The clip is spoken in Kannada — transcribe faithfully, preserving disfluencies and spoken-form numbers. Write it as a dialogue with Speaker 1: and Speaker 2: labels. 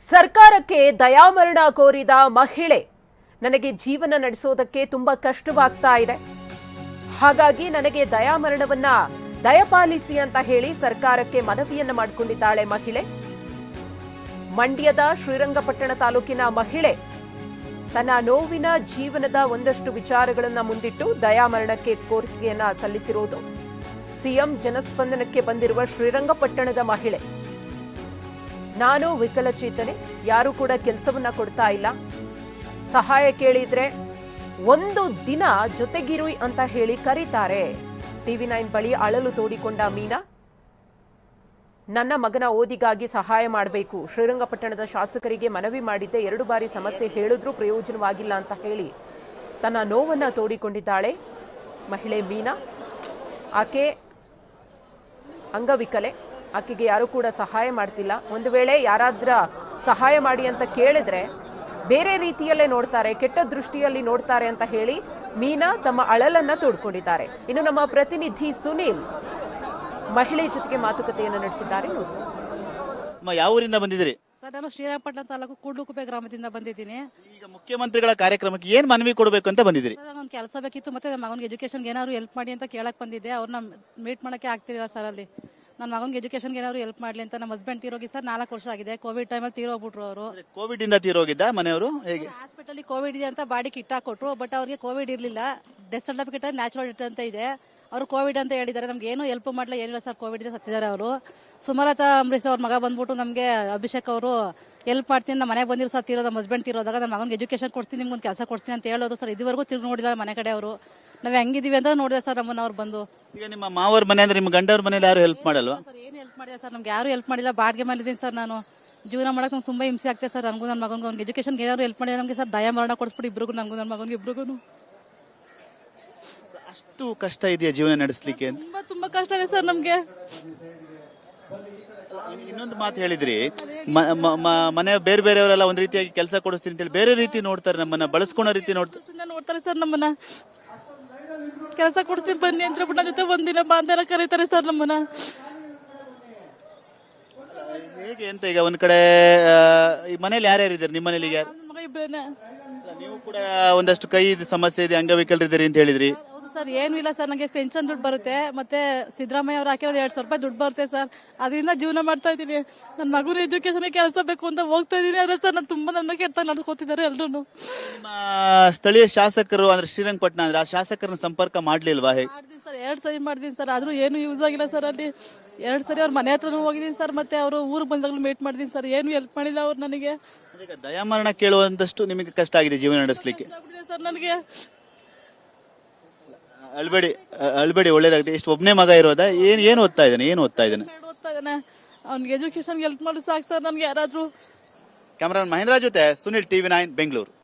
Speaker 1: ಸರ್ಕಾರಕ್ಕೆ ದಯಾಮರಣ ಕೋರಿದ ಮಹಿಳೆ ನನಗೆ ಜೀವನ ನಡೆಸೋದಕ್ಕೆ ತುಂಬಾ ಕಷ್ಟವಾಗ್ತಾ ಇದೆ. ಹಾಗಾಗಿ ನನಗೆ ದಯಾಮರಣವನ್ನ ದಯಪಾಲಿಸಿ ಅಂತ ಹೇಳಿ ಸರ್ಕಾರಕ್ಕೆ ಮನವಿಯನ್ನ ಮಾಡಿಕೊಂಡಿದ್ದಾಳೆ ಮಹಿಳೆ. ಮಂಡ್ಯದ ಶ್ರೀರಂಗಪಟ್ಟಣ ತಾಲೂಕಿನ ಮಹಿಳೆ ತನ್ನ ನೋವಿನ ಜೀವನದ ಒಂದಷ್ಟು ವಿಚಾರಗಳನ್ನ ಮುಂದಿಟ್ಟು ದಯಾಮರಣಕ್ಕೆ ಕೋರಿಕೆಯನ್ನ ಸಲ್ಲಿಸಿರುವುದು. ಸಿಎಂ ಜನಸ್ಪಂದನಕ್ಕೆ ಬಂದಿರುವ ಶ್ರೀರಂಗಪಟ್ಟಣದ ಮಹಿಳೆ, ನಾನು ವಿಕಲಚೇತನೆ, ಯಾರು ಕೂಡ ಕೆಲಸವನ್ನ ಕೊಡ್ತಾ ಇಲ್ಲ, ಸಹಾಯ ಕೇಳಿದ್ರೆ ಒಂದು ದಿನ ಜೊತೆಗಿರು ಅಂತ ಹೇಳಿ ಕರೀತಾರೆ. ಟಿವಿ ನೈನ್ ಬಳಿ ಅಳಲು ತೋಡಿಕೊಂಡ ಮೀನಾ, ನನ್ನ ಮಗನ ಓದಿಗಾಗಿ ಸಹಾಯ ಮಾಡಬೇಕು, ಶ್ರೀರಂಗಪಟ್ಟಣದ ಶಾಸಕರಿಗೆ ಮನವಿ ಮಾಡಿದ್ದೆ, ಎರಡು ಬಾರಿ ಸಮಸ್ಯೆ ಹೇಳಿದ್ರೂ ಪ್ರಯೋಜನವಾಗಿಲ್ಲ ಅಂತ ಹೇಳಿ ತನ್ನ ನೋವನ್ನ ತೋಡಿಕೊಂಡಿದ್ದಾಳೆ ಮಹಿಳೆ ಮೀನಾ. ಆಕೆ ಅಂಗವಿಕಲೆ, ಆಕೆಗೆ ಯಾರು ಕೂಡ ಸಹಾಯ ಮಾಡ್ತಿಲ್ಲ. ಒಂದು ವೇಳೆ ಯಾರಾದ್ರ ಸಹಾಯ ಮಾಡಿ ಅಂತ ಕೇಳಿದ್ರೆ ಬೇರೆ ರೀತಿಯಲ್ಲೇ ನೋಡ್ತಾರೆ, ಕೆಟ್ಟ ದೃಷ್ಟಿಯಲ್ಲಿ ನೋಡ್ತಾರೆ ಅಂತ ಹೇಳಿ ಮೀನಾ ತಮ್ಮ ಅಳಲನ್ನ ತೋಡ್ಕೊಂಡಿದ್ದಾರೆ. ಇನ್ನು ನಮ್ಮ ಪ್ರತಿನಿಧಿ ಸುನೀಲ್ ಮಹಿಳೆ ಜೊತೆಗೆ ಮಾತುಕತೆಯನ್ನು ನಡೆಸಿದ್ದಾರೆ.
Speaker 2: ಯಾವ ಊರಿಂದ ಬಂದಿದ್ದೀರಿ?
Speaker 3: ಸರ್, ನಾನು ಶ್ರೀರಂಗಪಟ್ಟಣ ತಾಲೂಕು ಕೂಡ್ಲುಕುಪ್ಪೆ ಗ್ರಾಮದಿಂದ ಬಂದಿದ್ದೀನಿ.
Speaker 2: ಈಗ ಮುಖ್ಯಮಂತ್ರಿಗಳ ಕಾರ್ಯಕ್ರಮಕ್ಕೆ ಏನ್ ಮನವಿ ಕೊಡಬೇಕು ಅಂತ ಬಂದಿದ್ದೀರಿ?
Speaker 3: ಒಂದು ಕೆಲಸ ಬೇಕಿತ್ತು, ಮತ್ತೆ ನನ್ನ ಮಗನಿಗೆ ಎಜುಕೇಶನ್ಗೆ ಏನಾದ್ರು ಹೆಲ್ಪ್ ಮಾಡಿ ಅಂತ ಕೇಳಕ್ ಬಂದಿದ್ದೆ. ಅವ್ರನ್ನ ಮೀಟ್ ಮಾಡಕ್ಕೆ ಆಗ್ತಿಲ್ಲ ಸರ್. ಅಲ್ಲಿ ನನ್ನ ಮಗನಿಗೆ ಎಜುಕೇಶನ್ಗೆ ಏನಾದ್ರು ಹೆಲ್ಪ್ ಮಾಡಲಿ ಅಂತ. ನಮ್ಮ ಹಸ್ಬೆಂಡ್ ತೀರೋಗಿ ಸರ್ ನಾಲ್ಕು ವರ್ಷ ಆಗಿದೆ. ಕೋವಿಡ್ ಟೈಮಲ್ಲಿ ತೀರೋಗ್ಬಿಟ್ರು ಅವರು.
Speaker 2: ಕೋವಿಡ್ ಇಂದ ತೀರೋಗಿದ್ದ ಮನೆಯವರು? ಹೇಗೆ?
Speaker 3: ಹಾಸ್ಪಿಟಲ್ ಕೋವಿಡ್ ಇದೆ ಅಂತ ಬಾಡಿ ಕಿಟ್ ಹಾಕೊಟ್ರು, ಬಟ್ ಅವ್ರಿಗೆ ಕೋವಿಡ್ ಇರಲಿಲ್ಲ. ಡೆತ್ ಸರ್ಟಿಫಿಕೇಟ್ ನ್ಯಾಚುರಲ್ ಡೆತ್ ಅಂತ ಇದೆ. ಅವರು ಕೋವಿಡ್ ಅಂತ ಹೇಳಿದ್ದಾರೆ. ನಮ್ಗೆ ಏನು ಹೆಲ್ಪ್ ಮಾಡಲ್ಲ, ಏನಿಲ್ಲ ಸರ್. ಕೋವಿಡ್ ಇದೆ, ಸತ್ತಿದ್ದಾರೆ ಅವರು. ಸುಮಲತಾ ಅಂಬರೀಶ್ ಅವ್ರ ಮಗ ಬಂದ್ಬಿಟ್ಟು ನಮಗೆ ಅಭಿಷೇಕ್ ಅವರು ಹೆಲ್ಪ್ ಮಾಡ್ತೀನಿ, ನಮ್ಮ ಮನೆಗೆ ಬಂದಿರೋ ಸರ್ ತೀರೋದು, ನಮ್ಮ ಹಸ್ಬೆಂಡ್ ತೀರೋದಾಗ ನನ್ನ ಮಗನಿಗೆ ಎಜುಕೇಶನ್ ಕೊಡ್ತೀನಿ, ನಿಮ್ಗೊಂದು ಕೆಲಸ ಕೊಡ್ತೀನಿ ಅಂತ ಹೇಳೋದು ಸರ್. ಇದುವರೆಗೂ ತಿರುಗಿ ನೋಡಿಲ್ಲ ಮನೆ ಕಡೆ ಅವರು. ನಾವು ಹೆಂಗಿದೀವಿ ಅಂತ ನೋಡಿದೆ ಸರ್ ನಮ್ಮನ್ನ ಅವ್ರು ಬಂದು.
Speaker 2: ಈಗ ನಿಮ್ಮ ಮಾವರ ಮನೆ ಅಂದ್ರೆ ನಿಮ್ಮ ಗಂಡವ್ರ ಮನೇಲಿ ಯಾರು ಹೆಲ್ಪ್ ಮಾಡಲ್ವಾ?
Speaker 3: ಸರ್ ಏನು ಹೆಲ್ಪ್ ಮಾಡಿಲ್ಲ ಸರ್, ನಮ್ಗೆ ಯಾರು ಹೆಲ್ಪ್ ಮಾಡಿಲ್ಲ. ಬಾಡಿಗೆ ಮೇಲೆ ಇದ್ದೀನಿ ಸರ್ ನಾನು. ಜೀವನ ಮಾಡಕ್ಕೆ ನಮ್ಗೆ ತುಂಬಾ ಹಿಂಸೆ ಆಗ್ತದೆ ಸರ್. ನನಗೂ ನನ್ನ ಮಗನಿಗೆ ಅವ್ನಿಗೆ ಎಜುಕೇಶನ್ಗೆ ಏನಾದ್ರು ಹೆಲ್ಪ್ ಮಾಡಿಲ್ಲ ನಮಗೆ ಸರ್. ದಯ ಮರಣ ಕೊಡಿಸ್ಬಿಟ್ಟು ಇಬ್ರಿಗೂ, ನನಗೂ ನನ್ನ ಮಗನಿಗೆ ಇಬ್ರಿಗೂ.
Speaker 2: ಅಷ್ಟು ಕಷ್ಟ ಇದೆಯಾ ಜೀವನ ನಡೆಸಲಿಕ್ಕೆ?
Speaker 3: ತುಂಬಾ ತುಂಬಾ ಕಷ್ಟ ಇದೆ ಸರ್ ನಮ್ಗೆ.
Speaker 2: ಇನ್ನೊಂದು ಮಾತು ಹೇಳಿದ್ರಿ, ಮನೆ ಬೇರೆ ಬೇರೆಯವರೆಲ್ಲ ಒಂದ್ ರೀತಿಯಾಗಿ ಕೆಲಸ ಕೊಡಿಸ್ತೀನಿ ಅಂತೇಳಿ ಬೇರೆ ರೀತಿ ನೋಡ್ತಾರೆ, ನಮ್ಮನ್ನ ಬಳಸ್ಕೊಳೋ ರೀತಿ ನೋಡ್ತಾರೆ
Speaker 3: ನೋಡ್ತಾರೆ ಸರ್. ನಮ್ಮನ್ನ ಕೆಲಸ ಕೊಡಿಸ್ತೀನಿ ಬನ್ನಿ ಅಂತ ಹೇಳ್ಬಿಟ್ಟು ನನ್ನ ಜೊತೆ ಒಂದಿನ ಬಾ ಅಂತೆಲ್ಲ ಕರೀತಾರೆ ಸರ್ ನಮ್ಮನ್ನ.
Speaker 2: ಹೇಗೆ ಅಂತ? ಈಗ ಒಂದ್ ಕಡೆ ಈ ಮನೇಲಿ ಯಾರ್ಯಾರು ಇದ್ದಾರೆ? ನಿಮ್ಮ ಮನೇಲಿ ಯಾರು?
Speaker 3: ಮಗ ಇಬ್ರೇನೆ.
Speaker 2: ನೀವು ಕೂಡ ಒಂದಷ್ಟು ಕೈ ಸಮಸ್ಯೆ ಇದೆ, ಅಂಗವಿಕಲರಿದ್ದೀರಿ ಅಂತ ಹೇಳಿದ್ರಿ.
Speaker 3: ಸರ್ ಏನು ಇಲ್ಲ ಸರ್, ನನಗೆ ಪೆನ್ಷನ್ ದುಡ್ಡು ಬರುತ್ತೆ, ಮತ್ತೆ ಸಿದ್ದರಾಮಯ್ಯ ಅವ್ರು ಹಾಕಿರೋದು ಎರಡ್ ಸಾವಿರ ರೂಪಾಯಿ ದುಡ್ಡು ಬರುತ್ತೆ ಸರ್. ಅದರಿಂದ ಜೀವನ ಮಾಡ್ತಾ ಇದ್ದೀನಿ. ನನ್ನ ಮಗುನ ಎಜುಕೇಶನ್ಗೆ ಕೆಲಸ ಬೇಕು ಅಂತ ಹೋಗ್ತಾ ಇದ್ದೀನಿ. ಆದ್ರೆ ಸರ್ ನಾನು ತುಂಬಾ ನನ್ನ ಕೆಟ್ಟ ನಡ್ಸ್ಕೊತಿದ್ದಾರೆ ಎಲ್ರು.
Speaker 2: ನಿಮ್ಮ ಸ್ಥಳೀಯ ಶಾಸಕರು ಅಂದ್ರೆ ಶ್ರೀರಂಗಪಟ್ಟಣ ಅಂದ್ರೆ ಆ ಶಾಸಕರನ್ನ ಸಂಪರ್ಕ ಮಾಡ್ಲಿಲ್ವಾ? ಹೇಗೆ?
Speaker 3: ಮಾಡ್ತೀನಿ ಸರ್, ಎರಡ್ ಸರಿ ಮಾಡಿದೀನಿ ಸರ್, ಆದ್ರೂ ಏನು ಯೂಸ್ ಆಗಿಲ್ಲ ಸರ್. ಅಲ್ಲಿ ಎರಡ್ ಸರಿ ಅವ್ರ ಮನೆ ಹತ್ರನೂ ಹೋಗಿದ್ದೀನಿ ಸರ್, ಮತ್ತೆ ಅವರು ಊರು ಬಂದಾಗಲೂ ಮೀಟ್ ಮಾಡಿದೀನಿ ಸರ್. ಏನು ಹೆಲ್ಪ್ ಮಾಡಿಲ್ಲ ಅವ್ರು ನನಗೆ.
Speaker 2: ದಯಾಮರಣ ಕೇಳುವಂತಷ್ಟು ನಿಮಗೆ ಕಷ್ಟ ಆಗಿದೆ ಜೀವನ ನಡೆಸಲಿಕ್ಕೆ
Speaker 3: ಸರ್ ನನಗೆ.
Speaker 2: ಅಳ್ಬೇಡಿ ಅಳ್ಬೇಡಿ, ಒಳ್ಳೇದಾಗುತ್ತೆ. ಎಷ್ಟು ಒಬ್ಬನೇ ಮಗ ಇರೋದಾ? ಏನ್ ಏನು ಓದ್ತಾ ಇದ್ದಾನೆ? ಏನು ಓದ್ತಾ ಇದ್ದಾನೆ?
Speaker 3: ಓದ್ತಾ ಇದ್ದಾನೆ. ಅವ್ನಿಗೆ ಎಜುಕೇಶನ್ ಹೆಲ್ಪ್ ಮಾಡಿ ಸಾಕು ಸರ್ ನನ್ಗೆ ಯಾರಾದ್ರೂ.
Speaker 2: ಕ್ಯಾಮರಾಮನ್ ಮಹೇಂದ್ರ ಜೊತೆ ಸುನಿಲ್, ಟಿವಿ ನೈನ್ ಬೆಂಗಳೂರು.